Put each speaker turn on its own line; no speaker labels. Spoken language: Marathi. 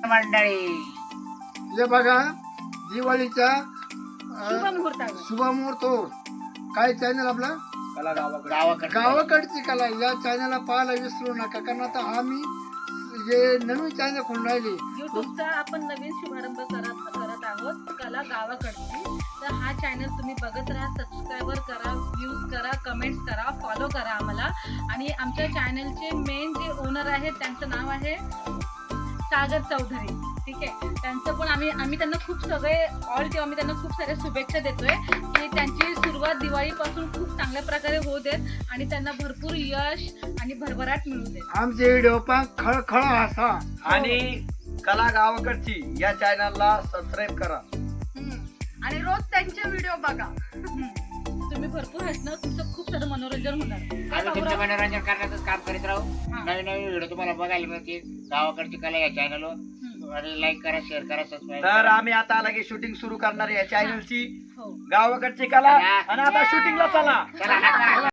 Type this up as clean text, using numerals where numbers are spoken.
मंडळी
हे बघा दिवाळीच्या
शुभ मुहूर्त
हो काय चॅनल आपला
कला गावाकडे
गावाकडची कला या चॅनलला पाहायला विसरू नका कारण आता आम्ही जे नवीन चॅनल खोलून राहिले
युट्यूबचा आपण नवीन शुभारंभ करत आहोत कला गावाकडची. तर हा चॅनल तुम्ही बघत राहा, सबस्क्राईबर करा, व्ह्यूज करा, कमेंट्स करा, फॉलो करा आम्हाला. आणि आमच्या चॅनलचे मेन जे ओनर आहेत त्यांचं नाव आहे सागर चौधरी. ठीक आहे, त्यांचं पण आम्ही त्यांना खूप सगळे ऑल टीम आम्ही त्यांना खूप साऱ्या शुभेच्छा देतोय की त्यांची सुरुवात दिवाळीपासून खूप चांगल्या प्रकारे होऊ देत आणि त्यांना भरपूर यश आणि भरभराट मिळू देत.
आमचे व्हिडिओ पण खळखळ हसा
आणि कला गावाकडची या चॅनलला सबस्क्राईब करा
आणि रोज त्यांचे व्हिडिओ बघा.
तुम्ही भरपूर हसणार, तुमचं खूप सारं मनोरंजन होणार.
आम्ही तुमचं मनोरंजन करण्याचं काम करीत राहू. नवीन नवीन व्हिडिओ तुम्हाला बघायला मिळतील गावाकडची कला या चॅनलवर. आणि लाईक करा, शेअर करा, सबस्क्राईब. तर आम्ही आता लगेच शूटिंग सुरू करणार आहे या चॅनलची
हो.
गावाकडची कला. आणि आता शूटिंगला चला.